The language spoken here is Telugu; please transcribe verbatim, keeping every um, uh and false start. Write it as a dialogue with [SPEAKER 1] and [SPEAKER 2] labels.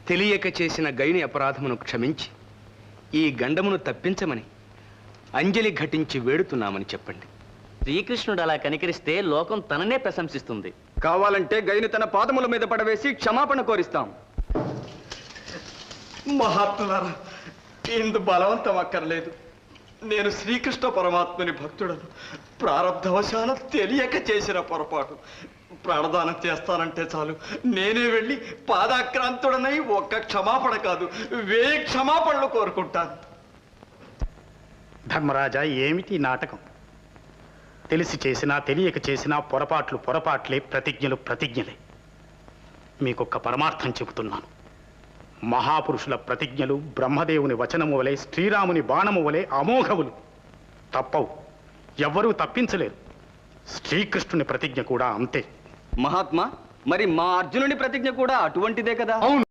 [SPEAKER 1] తెలియక చేసిన గైని అపరాధమును క్షమించి ఈ గండమును తప్పించమని అంజలి ఘటించి వేడుతున్నామని చెప్పండి.
[SPEAKER 2] శ్రీకృష్ణుడు అలా కనికరిస్తే లోకం తననే ప్రశంసిస్తుంది.
[SPEAKER 3] కావాలంటే గైని తన పాదముల మీద పడవేసి క్షమాపణ కోరిస్తాం.
[SPEAKER 4] మహాత్ములారా, ఇందు బలవంతం అక్కర్లేదు. నేను శ్రీకృష్ణ పరమాత్మని భక్తుడను. ప్రారంధవశాన తెలియక చేసిన పొరపాటు. ప్రాణదానం చేస్తానంటే చాలు, నేనే వెళ్ళి పాదాక్రాంతుడనై ఒక్క క్షమాపణ కాదు వేయి క్షమాపణలు కోరుకుంటాను.
[SPEAKER 5] ధర్మరాజా, ఏమిటి నాటకం? తెలిసి చేసినా తెలియక చేసినా పొరపాట్లు పొరపాట్లే, ప్రతిజ్ఞలు ప్రతిజ్ఞలే. మీకొక్క పరమార్థం చెబుతున్నాను. మహాపురుషుల ప్రతిజ్ఞలు బ్రహ్మదేవుని వచనము వలె, శ్రీరాముని బాణము వలె అమోఘవులు. తప్పవు, ఎవ్వరూ తప్పించలేరు. శ్రీకృష్ణుని ప్రతిజ్ఞ కూడా అంతే.
[SPEAKER 3] మహాత్మా, మరి మా అర్జునుని ప్రతిజ్ఞ కూడా అటువంటిదే కదా?
[SPEAKER 1] అవును.